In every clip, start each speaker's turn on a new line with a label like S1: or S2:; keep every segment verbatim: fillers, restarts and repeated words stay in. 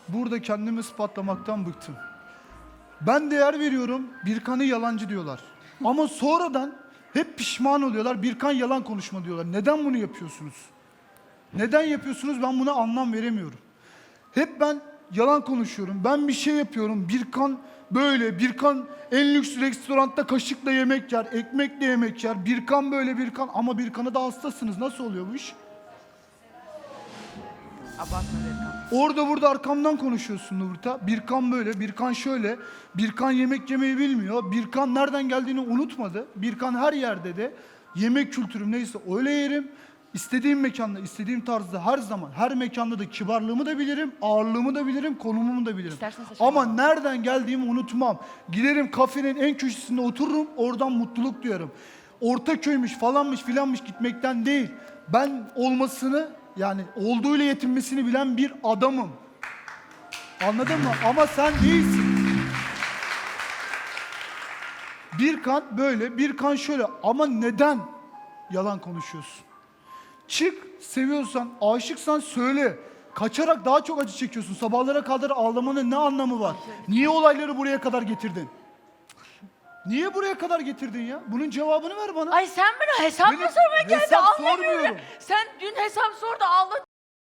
S1: burada kendimi ispatlamaktan bıktım. Ben değer veriyorum, Birkan'ı yalancı diyorlar. Ama sonradan hep pişman oluyorlar, Birkan yalan konuşma diyorlar. Neden bunu yapıyorsunuz? Neden yapıyorsunuz? Ben buna anlam veremiyorum. Hep ben yalan konuşuyorum, ben bir şey yapıyorum. Birkan böyle, Birkan en lüks restoranda kaşıkla yemek yer, ekmekle yemek yer. Birkan böyle, Birkan ama Birkan'a da hastasınız. Nasıl oluyor bu iş?
S2: Abartma Birkan.
S1: Orada burada arkamdan konuşuyorsun Nurta. Birkan böyle, Birkan şöyle. Birkan yemek yemeyi bilmiyor. Birkan nereden geldiğini unutmadı. Birkan her yerde de yemek kültürüm neyse öyle yerim. İstediğim mekanda, istediğim tarzda her zaman, her mekanda da kibarlığımı da bilirim, ağırlığımı da bilirim, konumumu da bilirim.
S2: İstersen saçma
S1: Ama
S2: olma.
S1: nereden geldiğimi unutmam. Giderim kafenin en köşesinde otururum, oradan mutluluk duyarım. Ortaköy'müş falanmış filanmış gitmekten değil. Ben olmasını, yani olduğuyla yetinmesini bilen bir adamım. Anladın mı? Ama sen değilsin. Birkan böyle, Birkan şöyle. Ama neden yalan konuşuyorsun? Çık, seviyorsan, aşıksan söyle. Kaçarak daha çok acı çekiyorsun. Sabahlara kadar ağlamanın ne anlamı var? Niye olayları buraya kadar getirdin? Niye buraya kadar getirdin ya? Bunun cevabını ver bana.
S2: Ay sen bana hesap mı
S1: Benim
S2: sormaya geldin?
S1: hesap
S2: Anlamıyorum.
S1: sormuyorum.
S2: Sen dün hesap sor da ağla.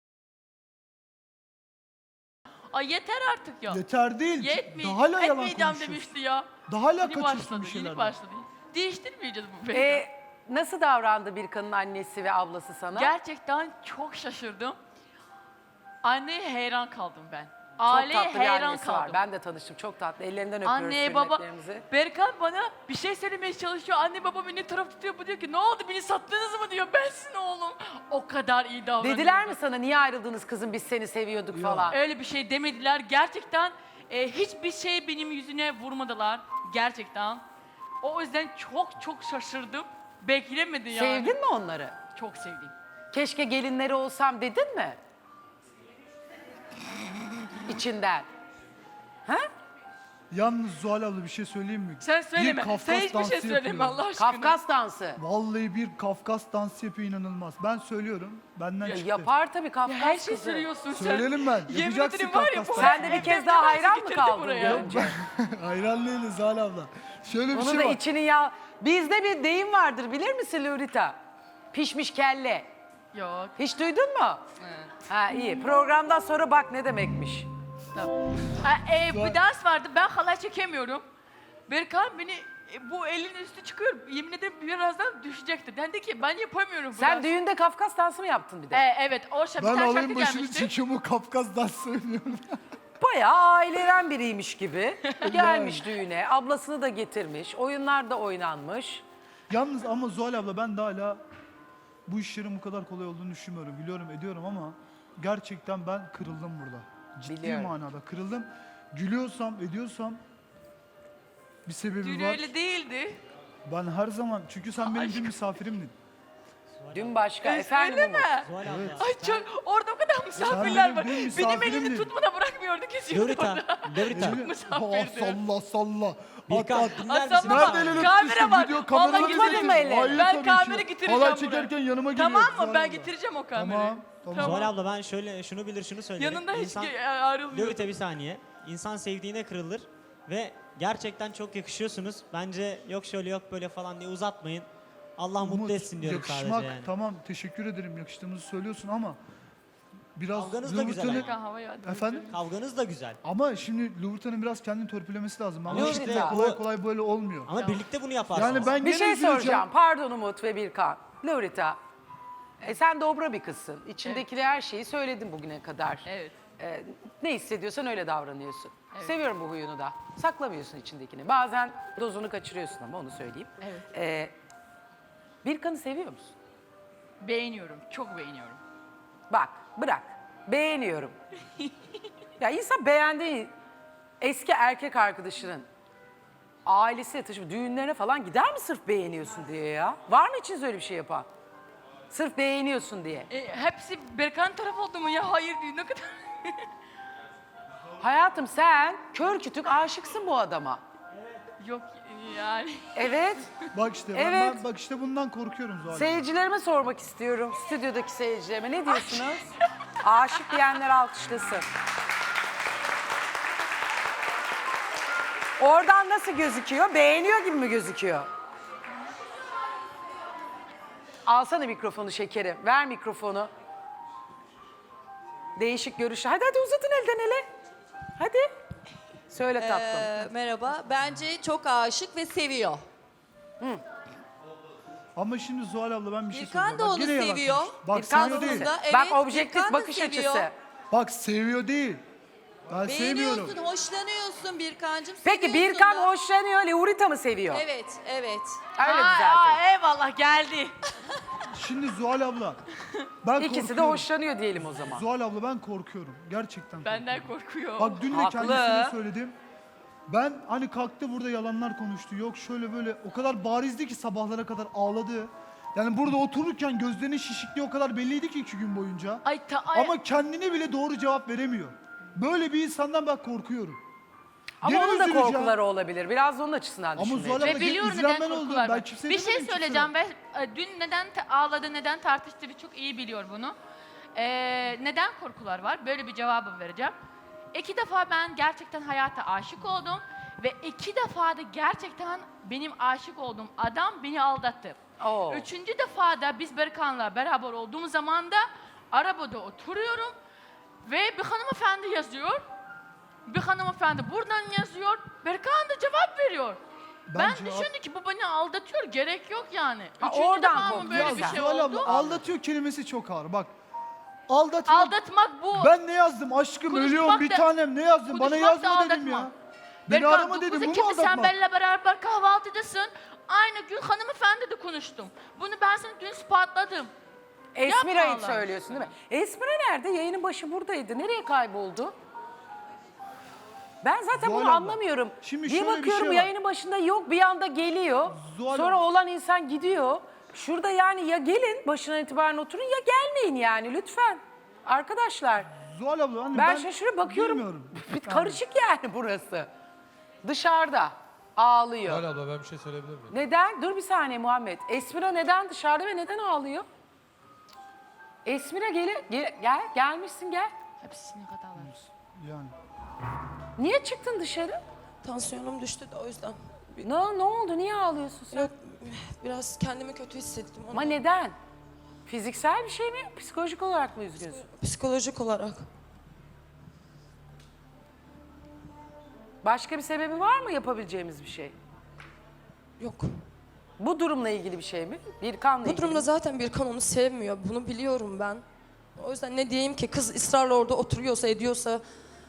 S2: Ay yeter artık ya.
S1: Yeter değil.
S2: Yetmeyecek.
S1: Daha hala yalan
S2: Etmeyeceğim
S1: konuşuyorsun.
S2: demişti ya.
S1: Daha hala
S2: Yeni
S1: kaçıyorsun
S2: başladı,
S1: bir şeylerden.
S2: yeni başladı. Değiştirmeyeceğiz bu beni.
S3: Ee, nasıl davrandı Birkan'ın annesi ve ablası sana?
S2: Gerçekten çok şaşırdım. Anneye hayran kaldım ben.
S3: Çok
S2: Aileye
S3: tatlı bir
S2: hayran
S3: annesi
S2: kaldım.
S3: var. Ben de tanıştım. Çok tatlı. Ellerinden öpüyoruz
S2: Anne baba,
S3: hürmetlerimizi.
S2: Berkan bana bir şey söylemeye çalışıyor. Anne baba beni taraf tutuyor. Bu diyor ki ne oldu beni sattınız mı diyor. Ben sizin oğlum. O kadar iyi davranıyor.
S3: Dediler mi sana niye ayrıldınız kızım biz seni seviyorduk falan?
S2: Öyle bir şey demediler. Gerçekten e, hiçbir şey benim yüzüne vurmadılar. Gerçekten. O yüzden çok çok şaşırdım. Beklemedi yani.
S3: Sevdin mi onları?
S2: Çok sevdim.
S3: Keşke gelinleri olsam dedin mi? İçinden. Ha?
S1: Yalnız Zuhal abla bir şey söyleyeyim mi?
S2: Sen söyleme.
S1: Bir Kafkas
S2: Sen hiçbir
S1: dansı
S2: şey söyleme
S1: yapıyor.
S2: Allah aşkına.
S3: Kafkas dansı.
S1: Vallahi bir Kafkas dansı yapıyor, inanılmaz. Ben söylüyorum. Benden
S3: Ya
S1: çıktı.
S3: yapar tabii Kafkas
S2: Ya her şey
S3: kızı.
S2: söylüyorsun sen.
S1: Söyleyelim ben.
S2: Yemin
S1: Yapacaksın
S2: ederim var ya
S1: Kafkas
S2: bu
S1: dansı.
S3: Sen de bir
S2: evde
S3: kez daha
S2: nasıl
S3: hayran mı
S2: getirdi
S3: kaldın
S2: buraya?
S3: görünce?
S1: Hayran değiliz Zuhal abla. Şöyle bir
S3: Onu
S1: şey
S3: da
S1: var.
S3: içinin ya... Bizde bir deyim vardır bilir misin Lurita? Pişmiş kelle.
S2: Yok.
S3: Hiç duydun mu? Ha iyi. Programdan sonra bak ne demekmiş.
S2: Tamam. Ha, e, bir dans vardı. Ben halay çekemiyorum. Berkan beni e, bu elin üstü çıkıyor. Yemin ederim birazdan düşecekti. Dendi ki ben yapamıyorum bu
S3: Sen
S2: dansı.
S3: düğünde Kafkas dansı mı yaptın bir de?
S2: E, evet o şarkı,
S1: Ben
S2: bir tane
S1: alayım
S2: şarkı
S1: başını
S2: gelmişti.
S1: çekiyorum, o Kafkas dansı söylüyorum.
S3: Bayağı aileden biriymiş gibi gelmiş düğüne. Ablasını da getirmiş. Oyunlar da oynanmış.
S1: Yalnız ama Zuhal abla ben de hala bu işlerin bu kadar kolay olduğunu düşünmüyorum. Biliyorum, ediyorum ama gerçekten ben kırıldım burada. Ciddi
S3: Biliyorum.
S1: manada kırıldım. Gülüyorsam, ediyorsam bir sebebi
S2: Dün
S1: var.
S2: öyle değildi.
S1: Ben her zaman, çünkü sen benim
S2: Ay.
S1: dün misafirimdin.
S3: Dün başka.
S2: E,
S3: Efendim
S2: söyleme.
S3: Umut.
S4: Zuhal abla.
S2: Ay çok orada o kadar misafirler
S1: benim-
S2: var.
S1: benim
S2: Benim
S1: misafirimdin.
S2: elini tutmadan bırakmıyordu kesiyordu
S4: Lurita,
S2: orada.
S4: Lurita.
S1: Elini-
S2: misafirdi.
S1: Aa, salla salla.
S4: Birkan,
S1: At, at.
S4: dinler
S2: Aslan
S4: misin?
S2: baba,
S1: Nerede elini
S2: kamera
S1: tutmuştun?
S2: var.
S1: Video
S2: Vallahi
S1: kameranı
S3: getirdim.
S1: getirdin.
S3: elini.
S1: Hayır,
S2: Ben
S1: tabii
S2: kamera
S1: ki.
S2: getireceğim
S1: Halay
S2: buraya.
S1: çekerken yanıma geliyor.
S2: Tamam
S1: Zuhal
S2: mı? Ben
S1: abla.
S2: getireceğim o kamerayı.
S1: Tamam. Tamam.
S2: Tamam.
S4: Zuhal abla ben şöyle şunu bilir şunu söylerim.
S2: Yanında hiç
S4: İnsan,
S2: ge- ayrılmıyor.
S4: Lurita bir saniye. İnsan sevdiğine kırılır ve gerçekten çok yakışıyorsunuz. Bence yok şöyle yok böyle falan diye uzatmayın. Allah
S1: Umut,
S4: mutlu etsin diyorum
S1: yakışmak,
S4: sadece yani.
S1: tamam teşekkür ederim, yakıştığımızı söylüyorsun ama biraz
S4: Kavganız da güzel
S1: Louvre'tanın-
S2: Berkan havaya attı.
S1: Efendim?
S4: Kavganız da güzel.
S1: ama şimdi Louvre'tanın biraz kendini törpülemesi lazım. Ama
S4: Ama
S1: işte
S3: işte
S1: kolay
S4: bu-
S1: kolay böyle olmuyor.
S4: Ama birlikte bunu yaparsınız.
S1: Yani ben
S3: Bir
S1: gene
S3: şey
S1: üzüleceğim.
S3: soracağım. Pardon Umut ve Birkan. Lurita. E, sen dobra bir kızsın. İçindeki her şeyi söyledin bugüne kadar.
S2: Evet.
S3: E, ne hissediyorsan öyle davranıyorsun. Seviyorum bu huyunu da. Saklamıyorsun içindekini. Bazen dozunu kaçırıyorsun ama onu söyleyeyim.
S2: Evet.
S3: E, Birkan'ı seviyor musun?
S2: Beğeniyorum. Çok beğeniyorum.
S3: Bak bırak. Beğeniyorum. Ya insan beğendiği eski erkek arkadaşının ailesiyle taşıp düğünlerine falan gider mi sırf beğeniyorsun diye ya? Var mı içiniz öyle bir şey yapan? Sırf beğeniyorsun diye.
S2: E, hepsi Berkan taraf oldu mu ya? Hayır diyor. Ne kadar...
S3: Hayatım sen kör kütük aşıksın bu adama.
S2: Yok yani.
S3: Evet.
S1: Bak işte ben,
S3: Evet.
S1: ben- bak işte bundan korkuyorum Zuhal.
S3: Seyircilerime sormak istiyorum. Stüdyodaki seyircilerime ne diyorsunuz? Aşık diyenler alkışlasın. Oradan nasıl gözüküyor? Beğeniyor gibi mi gözüküyor? Alsana mikrofonu şekerim. Ver mikrofonu. Değişik görüşler. Hadi hadi uzatın elden ele. Hadi. Söyle tatlım.
S5: Ee, merhaba. Bence çok aşık ve seviyor.
S1: Ama şimdi Zuhal abla ben bir şey
S5: Birkan
S1: söyleyeceğim.
S5: da
S1: Bak
S5: onu
S1: yine yalan
S5: seviyor.
S1: konuştu. Bak
S3: Birkan
S1: seviyor değil.
S5: Aslında evet,
S3: Bak objektif
S5: Birkan da
S3: bakış
S5: seviyor.
S3: açısı.
S1: Bak seviyor değil. Ben sevmiyorum.
S5: Beğeniyorsun, hoşlanıyorsun Birkancığım.
S3: Peki
S5: seviyorsun
S3: Birkan
S5: da.
S3: hoşlanıyor, Laurita mı seviyor?
S5: Evet, evet.
S3: Öyle
S2: Aa,
S3: düzeltelim.
S2: aa, eyvallah geldi.
S1: Şimdi Zuhal abla ben
S3: İkisi de
S1: korkuyorum.
S3: hoşlanıyor diyelim o zaman.
S1: Zuhal abla ben korkuyorum. Gerçekten
S2: Benden
S1: korkuyorum.
S2: korkuyor.
S1: Bak dün de
S3: Haklı.
S1: kendisine söyledim. Ben hani kalktı burada yalanlar konuştu. Yok şöyle böyle o kadar barizdi ki sabahlara kadar ağladı. Yani burada otururken gözlerinin şişikliği o kadar belliydi ki iki gün boyunca.
S2: Ay, ta, ay,
S1: Ama kendine bile doğru cevap veremiyor. Böyle bir insandan ben korkuyorum.
S3: Ama
S1: Gene
S3: onun da
S1: üzüleceğim.
S3: korkuları olabilir. Biraz da onun açısından
S1: Ama
S3: düşünmeye
S1: Zuhal
S3: çalış.
S1: abla
S2: ve biliyorum
S1: üzülen
S2: neden
S1: ben oldum.
S2: korkular
S1: Ben
S2: var.
S1: kimseye
S2: Bir şey
S1: demedim,
S2: söyleyeceğim ve e, dün neden ta- ağladı, neden tartıştı bir çok iyi biliyor bunu. Ee, neden korkular var? Böyle bir cevabı vereceğim. İki defa ben gerçekten hayata aşık oldum ve iki defa da gerçekten benim aşık olduğum adam beni aldattı.
S3: Oo.
S2: Üçüncü defa da biz Berkan'la beraber olduğumuz zaman da arabada oturuyorum ve bir hanımefendi yazıyor. Bir hanımefendi buradan yazıyor. Berkan da cevap veriyor. Ben,
S1: Ben cevap-
S2: düşündüm ki bu beni aldatıyor. Gerek yok yani.
S3: Ha,
S2: Üçüncü
S3: oradan
S2: defa mı
S3: korktun
S2: böyle
S1: Ya
S2: bir
S3: sen.
S2: şey
S1: Zuhal
S2: oldu?
S1: abla aldatıyor kelimesi çok ağır. Bak aldatmak.
S2: Aldatmak bu.
S1: Ben ne yazdım aşkım
S2: Konuşmak
S1: ölüyorum bir
S2: da-
S1: tanem ne yazdım bana
S2: konuşmak da
S1: yazma dedim
S2: aldatma.
S1: ya. Beni
S2: Berkan,
S1: arama dedim
S2: dokuz
S1: bu mu
S2: Ekim'de sen
S1: aldatmak?
S2: benimle beraber kahvaltıdasın. Aynı gün hanımefendi de konuştum. Bunu ben sana dün ispatladım.
S3: Esmira'yı
S2: Yapma Allah
S3: söylüyorsun değil mi? Esmira nerede? Yayının başı buradaydı. Nereye kayboldu? Ben zaten
S1: Zuhal
S3: bunu
S1: abla,
S3: anlamıyorum.
S1: şimdi
S3: bir
S1: şöyle bir
S3: bakıyorum
S1: şey var.
S3: yayının başında yok bir anda geliyor.
S1: Zuhal
S3: Sonra
S1: abla.
S3: olan insan gidiyor. Şurada yani ya gelin başına itibaren oturun ya gelmeyin yani lütfen. Arkadaşlar
S1: Zuhal abla hani
S3: ben,
S1: ben
S3: şaşırıp bakıyorum.
S1: bilmiyorum.
S3: Bir karışık yani burası. Dışarıda ağlıyor.
S6: Zuhal abla ben bir şey söyleyebilir miyim?
S3: Neden? Dur bir saniye Muhammed. Esmira neden dışarıda ve neden ağlıyor? Esmira gel, gel, gel gelmişsin gel.
S2: Hepsini hatalar.
S1: Yani.
S3: Niye çıktın dışarı?
S7: Tansiyonum düştü de o yüzden.
S3: Ne, ne oldu? Niye ağlıyorsun sen?
S7: Yok, biraz kendimi kötü hissettim.
S3: Ama
S7: Onu
S3: neden? Fiziksel bir şey mi? Psikolojik olarak mı üzgünsün?
S7: psikolojik olarak.
S3: Başka bir sebebi var mı yapabileceğimiz bir şey?
S7: Yok.
S3: Bu durumla ilgili bir şey mi? Birkan'la
S7: Bu
S3: ilgili
S7: durumda
S3: mi?
S7: zaten Birkan onu sevmiyor. Bunu biliyorum ben. O yüzden ne diyeyim ki kız ısrarla orada oturuyorsa ediyorsa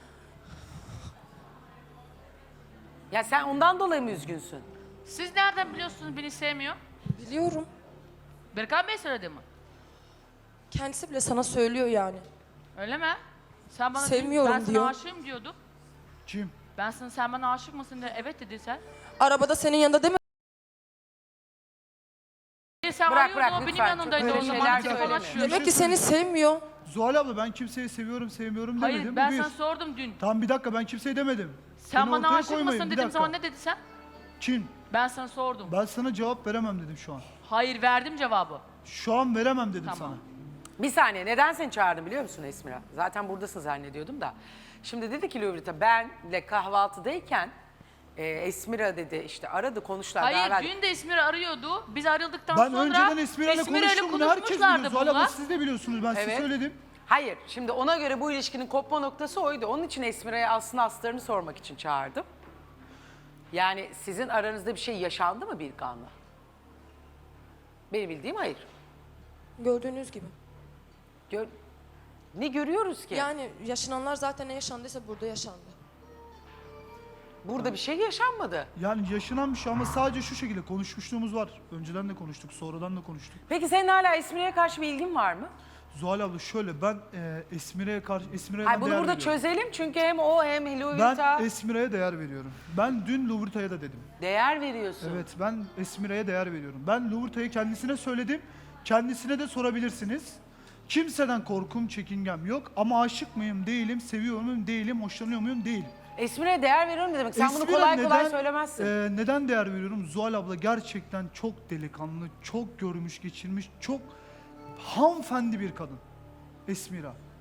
S3: Ya sen ondan dolayı mı üzgünsün?
S2: Siz nereden biliyorsunuz beni sevmiyor?
S7: biliyorum.
S2: Berkan Bey söyledi mi?
S7: Kendisi bile sana söylüyor yani.
S2: Öyle mi? Sen bana
S7: Sevmiyorum
S2: ben sana
S7: diyor.
S2: aşığım diyordun.
S1: Kim?
S2: Ben sana sen bana aşık mısın diye evet dedin sen.
S7: Arabada senin yanında değil mi?
S2: E sen
S3: Bırak,
S2: arıyordun,
S3: brak,
S2: o benim
S3: lütfen.
S2: yanımdaydı
S3: Çok
S2: o
S3: öyle
S2: zaman.
S3: şeyler
S2: telefon
S3: söyleme.
S2: açıyor.
S7: Demek ki seni sevmiyor.
S1: Zuhal abla ben kimseyi seviyorum sevmiyorum demedim.
S2: Hayır
S1: bu
S2: ben
S1: bir.
S2: sana sordum dün.
S1: Tamam bir dakika ben kimseye demedim.
S2: Sen
S1: Beni
S2: bana
S1: ortaya
S2: aşık
S1: koymayın,
S2: mısın
S1: bir
S2: dediğim
S1: dakika.
S2: zaman ne dedi sen?
S1: Kim?
S2: Ben sana sordum.
S1: Ben sana cevap veremem dedim şu an.
S2: Hayır verdim cevabı.
S1: Şu an veremem dedim
S2: Tamam.
S1: sana.
S3: Bir saniye neden seni çağırdım biliyor musun Esmira? Zaten buradasın zannediyordum da. Şimdi dedi ki Lovrita benle kahvaltıdayken e, Esmira dedi işte aradı konuştular.
S2: Hayır
S3: beraber-
S2: dün de İsmir arıyordu. Biz ayrıldıktan
S1: Ben
S2: sonra
S1: önceden Esmira'yla
S2: Esmira'yla
S1: konuştum. Bunu herkes biliyor.
S2: konuşmuşlardı
S1: Zuhal abla
S2: bunlar.
S1: siz de biliyorsunuz ben size
S3: Evet.
S1: söyledim.
S3: Hayır, şimdi ona göre bu ilişkinin kopma noktası oydu. Onun için Esmira'ya aslında aslarını sormak için çağırdım. Yani sizin aranızda bir şey yaşandı mı Birkan'la? Benim bildiğim hayır.
S7: Gördüğünüz gibi.
S3: Gör... Ne görüyoruz ki?
S7: Yani yaşananlar zaten ne yaşandıysa burada yaşandı.
S3: Burada bir şey yaşanmadı.
S1: Yani yaşanan bir şey ama sadece şu şekilde konuşmuşluğumuz var. Önceden de konuştuk, sonradan da konuştuk.
S3: Peki senin hala Esmira'ya karşı bir ilgin var mı?
S1: Zuhal abla şöyle ben e, Esmire'ye karşı Esmire'ye
S3: Hayır,
S1: ben
S3: bunu
S1: değer
S3: burada
S1: veriyorum.
S3: çözelim çünkü hem o hem
S1: Ben
S3: Lovrita
S1: Esmire'ye değer veriyorum. Ben dün Lovrita'ya da dedim.
S3: değer veriyorsun.
S1: Evet ben Esmire'ye değer veriyorum. Ben Lovrita'yı kendisine söyledim. Kendisine de sorabilirsiniz. Kimseden korkum, çekingem yok. Ama aşık mıyım, değilim, seviyor muyum, değilim, hoşlanıyor muyum, değilim.
S3: Esmira'ya değer veriyorum ne demek? Sen bunu
S1: Esmire
S3: kolay kolay
S1: neden-
S3: söylemezsin.
S1: e, neden değer veriyorum? Zuhal abla gerçekten çok delikanlı, çok görmüş geçirmiş, çok hanımefendi bir kadın. Esmira.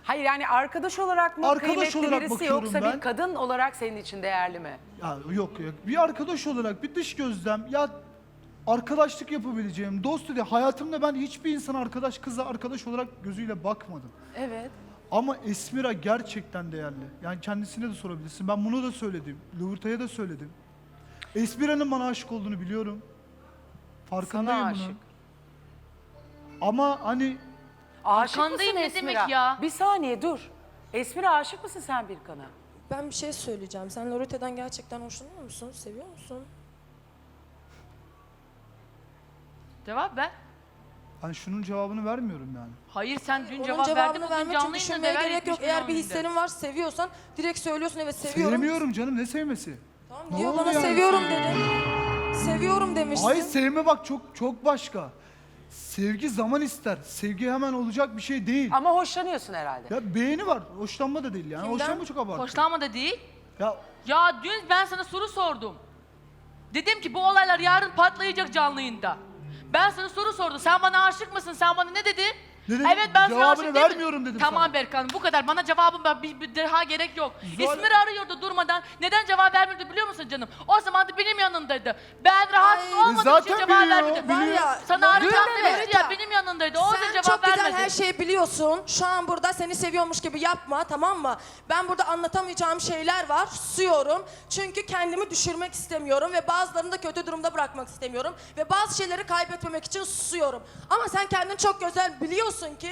S3: Hayır yani arkadaş olarak mı
S1: Arkadaş
S3: kıymetli
S1: olarak
S3: birisi
S1: bakıyorum
S3: yoksa
S1: ben.
S3: bir kadın olarak senin için değerli mi?
S1: Ya yok yok. Bir arkadaş olarak bir dış gözlem ya arkadaşlık yapabileceğim, dost diye hayatımda ben hiçbir insan arkadaş kıza arkadaş olarak gözüyle bakmadım.
S3: Evet.
S1: Ama Esmira gerçekten değerli. Yani kendisine de sorabilirsin. Ben bunu da söyledim. Lovruta'ya da söyledim. Esmira'nın bana aşık olduğunu biliyorum. Farkındayım
S3: Sana
S1: bunun.
S3: aşık.
S1: Ama hani
S3: Aşık
S2: Arkandayım
S3: mısın
S2: ne
S3: Esmira?
S2: demek ya?
S3: Bir saniye dur. Esmira aşık mısın sen Birkan'a?
S7: Ben bir şey söyleyeceğim. Sen Lorete'den gerçekten hoşlanıyor musun? Seviyor musun?
S2: Cevap ver.
S1: ben şunun cevabını vermiyorum yani.
S2: Hayır sen dün
S7: Onun
S2: cevap verdin.
S7: cevabını
S2: Bugün
S7: vermek için
S2: canlı yayında
S7: düşünmeye
S2: neler
S7: gerek yok.
S2: yapmış
S7: Eğer bir
S2: bunun önünde.
S7: hislerin var, seviyorsan direkt söylüyorsun evet seviyorum.
S1: Sevmiyorum canım, ne sevmesi?
S7: Tamam
S1: Ne
S7: diyor
S1: oldu
S7: bana
S1: yani?
S7: seviyorum dedi. Seviyorum demişsin.
S1: Ay sevme bak çok çok başka. Sevgi zaman ister. Sevgi hemen olacak bir şey değil.
S3: Ama hoşlanıyorsun herhalde.
S1: Ya beğeni var. Hoşlanma da değil yani.
S7: Kimden?
S1: Hoşlanma çok abartı.
S2: Hoşlanma da değil.
S1: Ya
S2: Ya dün ben sana soru sordum. Dedim ki bu olaylar yarın patlayacak canlı yayında. Ben sana soru sordum. Sen bana aşık mısın? Sen bana ne dedin?
S1: Ne dedim?
S2: Evet ben sana
S1: Cevabını
S2: aşık değilim.
S1: vermiyorum dedim
S2: Tamam
S1: sana.
S2: Berkan bu kadar. Bana cevabım var. Bir, bir daha gerek yok.
S1: Zuhal-
S2: İsmini arıyordu durmadan. Neden cevap vermiyordu biliyor musun canım? O zaman da benim yanındaydı. Ben rahatsız
S7: Ay.
S2: olmadığım
S1: Zaten
S2: için cevap
S1: biliyor,
S2: vermedi.
S1: biliyor.
S7: Var ya,
S2: Sana
S7: Loreta,
S2: arayacağım demişti
S7: Loreta.
S2: ya benim yanındaydı. O da
S7: Sen
S2: cevap
S7: çok güzel
S2: vermedi.
S7: her şeyi biliyorsun. Şu an burada seni seviyormuş gibi yapma, tamam mı? Ben burada anlatamayacağım şeyler var. Susuyorum. Çünkü kendimi düşürmek istemiyorum ve bazılarını da kötü durumda bırakmak istemiyorum. Ve bazı şeyleri kaybetmemek için susuyorum. Ama sen kendini çok güzel biliyorsun ki...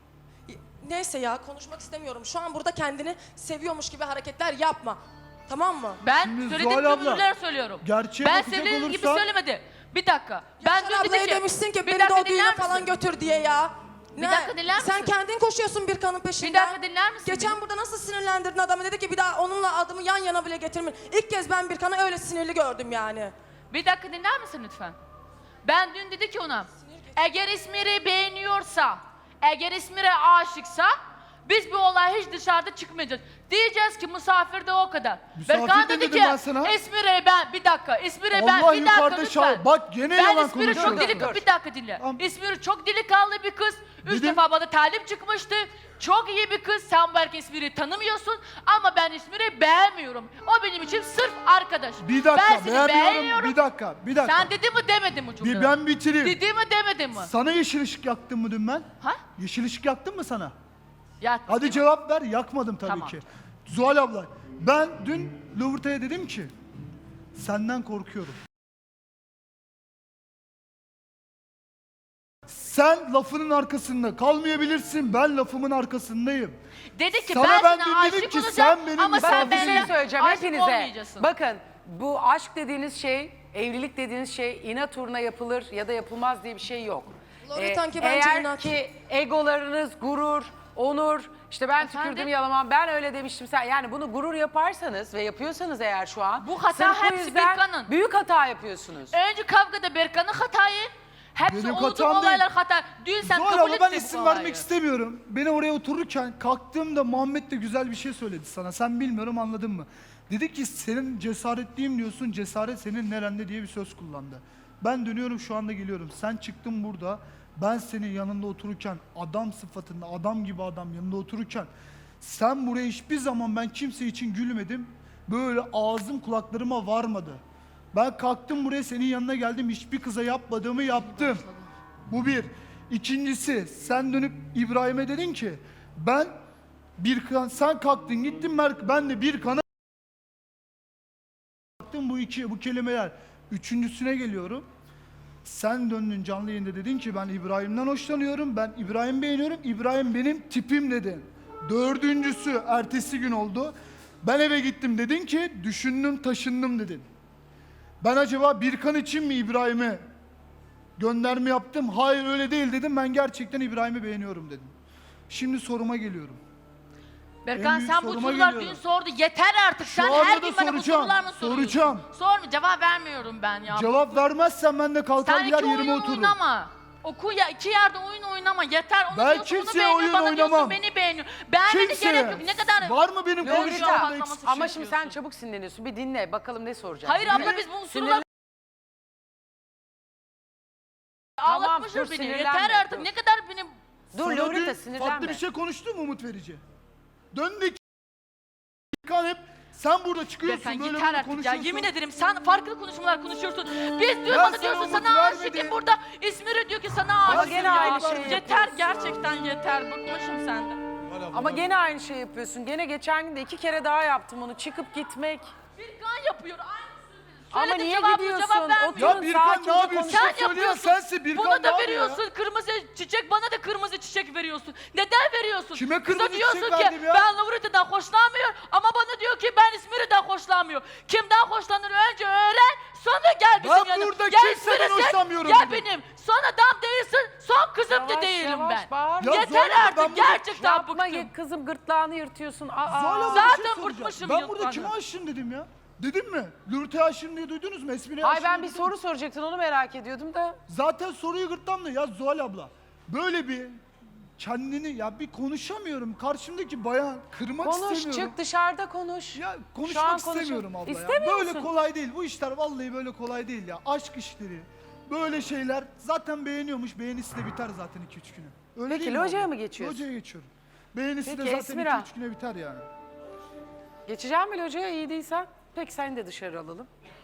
S7: Neyse ya konuşmak istemiyorum. Şu an burada kendini seviyormuş gibi hareketler yapma. Tamam mı?
S2: Ben
S1: Şimdi
S2: söylediğim
S1: Zuhal abla,
S2: cümleler söylüyorum.
S1: gerçeğe
S2: ben
S1: bakacak
S2: sevdiğim gibi
S1: olursan-
S2: söylemedi. Bir dakika. Ben
S7: Yaşar
S2: dün
S7: ablaya
S2: dedim ki...
S7: demişsin ki
S2: Bir
S7: beni de
S2: dakika
S7: o düğüne
S2: dinler
S7: falan
S2: misin?
S7: götür diye ya.
S2: Bir dakika dinler
S7: Sen
S2: misin?
S7: kendin koşuyorsun bir kanın peşinden.
S2: Bir dakika dinler misin
S7: Geçen
S2: beni?
S7: burada nasıl sinirlendirdin adamı, dedi ki bir daha onunla adımı yan yana bile getirme. İlk kez ben bir kanı öyle sinirli gördüm yani.
S2: Bir dakika dinler misin lütfen? Ben dün dedi ki ona, eğer İsmir'i beğeniyorsa, eğer İsmir'e aşıksa, biz bu olay hiç dışarıda çıkmayacağız. Diyeceğiz ki misafir de o kadar.
S1: Misafir
S2: Berkan
S1: de
S2: dedi
S1: dedim
S2: ki,
S1: ben sana.
S2: İsmir'e ben, bir dakika, İsmir'e ben,
S1: Allah
S2: bir dakika
S1: yukarıda
S2: lütfen.
S1: şahit. Bak gene
S2: ben
S1: yalan
S2: İsmir'i çok
S1: konuşuyorsun.
S2: deli, bir dakika dinle.
S1: Tamam.
S2: İsmir'i çok delikanlı bir kız. Üç
S1: Dedim.
S2: defa bana talip çıkmıştı. Çok iyi bir kız. Sen belki İsmir'i tanımıyorsun ama ben İsmir'i beğenmiyorum. O benim için sırf arkadaş.
S1: Bir dakika
S2: ben seni
S1: beğenmiyorum.
S2: beğeniyorum.
S1: Bir dakika, bir dakika.
S2: Sen dedi mi demedin mi cümleyi?
S1: Bir ben bitireyim.
S2: Dedi mi demedin mi?
S1: Sana yeşil ışık yaktım mı dün ben?
S2: Ha?
S1: Yeşil ışık yaktım mı sana?
S2: Ya,
S1: Hadi cevap ver. Yakmadım tabii
S2: Tamam.
S1: ki. Zuhal abla, ben dün Lovruta'ya dedim ki senden korkuyorum. Sen lafının arkasında kalmayabilirsin. Ben lafımın arkasındayım.
S2: Dedi ki
S1: Sana
S2: ben,
S1: ben
S2: sana
S1: dün dedim
S2: aşık
S1: ki,
S2: olacağım
S1: sen benim
S2: ama sen
S3: Bakın bir
S1: misafirim.
S3: şey
S2: benimle
S3: söyleyeceğim
S2: aşık
S3: hepinize.
S2: olmayacaksın.
S3: Bakın bu aşk dediğiniz şey, evlilik dediğiniz şey inat uğruna yapılır ya da yapılmaz diye bir şey yok.
S7: Loretan ki bence
S3: eğer
S7: inat.
S3: ki egolarınız, gurur, onur, işte ben
S2: Efendim?
S3: tükürdüm yalamam, ben öyle demiştim sen. Yani bunu gurur yaparsanız ve yapıyorsanız eğer şu an.
S2: Bu hata
S3: sırf bu
S2: hepsi
S3: yüzden
S2: Birkan'ın.
S3: Büyük hata yapıyorsunuz.
S2: Önce kavgada Berkan'ın hatayı. Hepsi
S1: Benim
S2: olduğum
S1: hatam
S2: olaylar
S1: değil.
S2: hata. Dün sen
S1: Zuhal
S2: kabul
S1: abla ben
S2: ettin
S1: isim
S2: bu
S1: vermek
S2: olayı.
S1: istemiyorum. Beni oraya otururken kalktığımda Muhammed de güzel bir şey söyledi sana. Sen bilmiyorum anladın mı? Dedi ki senin cesaretliyim diyorsun. Cesaret senin nerende diye bir söz kullandı. Ben dönüyorum şu anda geliyorum. Sen çıktın burada. Ben senin yanında otururken adam sıfatında adam gibi adam yanında otururken sen buraya hiçbir zaman ben kimse için gülmedim. Böyle ağzım kulaklarıma varmadı. Ben kalktım buraya senin yanına geldim. Hiçbir kıza yapmadığımı yaptım. Bu bir. İkincisi sen dönüp İbrahim'e dedin ki ben bir kan sen kalktın gittin Merk ben de bir kana baktım bu iki bu kelimeler. Üçüncüsüne geliyorum. Sen döndün canlı yayında dedin ki ben İbrahim'den hoşlanıyorum. Ben İbrahim beğeniyorum. İbrahim benim tipim dedin. Dördüncüsü ertesi gün oldu. Ben eve gittim dedin ki düşündüm taşındım dedin. Ben acaba Birkan için mi İbrahim'e gönderme yaptım? Hayır öyle değil dedim. Ben gerçekten İbrahim'i beğeniyorum dedim. Şimdi soruma geliyorum. En
S2: Berkan
S1: büyük
S2: sen bu
S1: soruma
S2: sorular
S1: geliyorum.
S2: dün sordu. Yeter artık.
S1: Şu
S2: Sen
S1: anda
S2: her
S1: da
S2: gün bana bu
S1: soracağım,
S2: sorular mı soruyorsun?
S1: soracağım.
S2: Sorma cevap vermiyorum ben ya.
S1: Cevap vermezsen ben de kalkar
S2: Sen
S1: gider
S2: iki
S1: yerime
S2: oyun
S1: otururum.
S2: oynama. Oku ya iki yerde oyun oynama yeter. Onu
S1: Ben
S2: diyorsun, onu
S1: kimseye
S2: beğeniyor,
S1: oyun
S2: bana
S1: oynamam.
S2: diyorsun beni beğeniyor. Beğenmene
S1: Kimseye.
S2: gerek yok. Ne kadar
S1: Var mı benim
S3: Loreta,
S1: konuşmamda
S2: patlaması
S1: eksik?
S3: Ama
S2: şey
S3: şimdi sen
S2: yapıyorsun.
S3: çabuk sinirleniyorsun. Bir dinle bakalım ne soracak.
S2: Hayır
S3: Dinle.
S2: abla biz bu
S3: Sinirlen-
S2: sorular
S3: Tamam,
S2: ağlatmışsın
S3: dur,
S2: beni.
S3: sinirlenme,
S2: Yeter artık.
S3: dur.
S2: Ne kadar beni
S3: Dur
S1: Sana
S3: Lolita
S1: dün
S3: sinirlenme.
S1: farklı bir şey konuştu mu Umut Verici? Döndük. Birkan hep sen burada çıkıyorsun
S2: Sen
S1: böyle
S2: yeter
S1: böyle
S2: artık ya.
S1: konuşuyorsun.
S2: Yemin ederim sen farklı konuşmalar konuşuyorsun. Biz diyor
S1: Ben
S2: bana
S1: sana
S2: diyorsun
S1: umut
S2: sana
S1: vermedim.
S2: aşık. Burada İsmir'e diyor ki sana
S1: Ama
S2: aşık.
S3: gene
S2: ya.
S3: aynı şeyi
S2: Yeter
S3: yapıyorsun.
S2: gerçekten yeter. Bıkmışım senden.
S3: Ama gene aynı şey yapıyorsun. Gene geçen gün de iki kere daha yaptım onu. Çıkıp gitmek.
S2: Birkan yapıyor aynısını.
S3: Ama
S2: Söyledi
S3: niye
S2: cevabını
S3: gidiyorsun?
S2: cevap vermiyor.
S3: Oturun,
S1: Ya Birkan ne
S3: sakince
S1: yapıyorsun?
S3: konuşun.
S2: Sen
S1: Söyleyen
S2: yapıyorsun.
S1: sensin, Birkan
S2: Buna
S1: ne
S2: da
S1: yapıyor ya?
S2: veriyorsun kırmızı çiçek, bana da kırmızı çiçek veriyorsun. Neden veriyorsun?
S1: Kime
S2: Kıza
S1: kırmızı
S2: diyorsun
S1: çiçek
S2: ki
S1: verdim ya?
S2: ben Lavrita'dan hoşlanmıyorum ama bana diyor ki ben İsmir'den hoşlanmıyorum. Kimden hoşlanır önce öğren, sonra gel bizim
S1: Ben
S2: yanıma.
S1: burada
S2: Gel
S1: kimseden
S2: İsmir'e sen,
S1: hoşlanmıyorum
S2: Gel
S1: dedim.
S2: benim. Son adam değilsin, son kızım da
S3: Yavaş,
S2: değilim
S3: yavaş,
S2: ben.
S3: bağırma.
S1: Ya
S2: Yeter
S1: Zuhal abla, ben
S2: artık
S1: burada-
S2: gerçekten
S3: Yapma
S2: bıktım.
S3: ye- kızım gırtlağını yırtıyorsun. Aa,
S1: Zuhal abla bir
S2: Zaten
S1: şey soracağım.
S2: bıkmışım
S1: Ben
S2: yıllardır.
S1: burada kime aşığım dedim ya? Dedim mi? Lürte'ye aşığım diye duydunuz mu? Esmire'ye
S3: Ay
S1: aşığım
S3: ben
S1: diye
S3: bir
S1: duydunuz
S3: soru soracaktın onu merak ediyordum da.
S1: Zaten soruyu gırtlamda ya Zuhal abla. Böyle bir kendini ya bir konuşamıyorum. Karşımdaki bayan kırmak
S3: Konuş
S1: istemiyorum.
S3: çık dışarıda konuş.
S1: Ya
S3: Şu an
S1: konuşmak
S3: konuşun.
S1: istemiyorum abla ya.
S3: İstemiyor
S1: Böyle
S3: musun?
S1: kolay değil. Bu işler vallahi böyle kolay değil ya. Aşk işleri. Böyle şeyler zaten beğeniyormuş. Beğenisi de biter zaten iki üç güne. Öyle
S3: Peki,
S1: değil mi
S3: locaya
S1: abla?
S3: mı geçiyorsun?
S1: Locaya geçiyorum. Beğenisi
S3: Peki,
S1: de zaten
S3: Esmira.
S1: iki üç güne biter yani.
S3: Geçeceğim mi locaya iyi değilsen? Peki seni de dışarı alalım.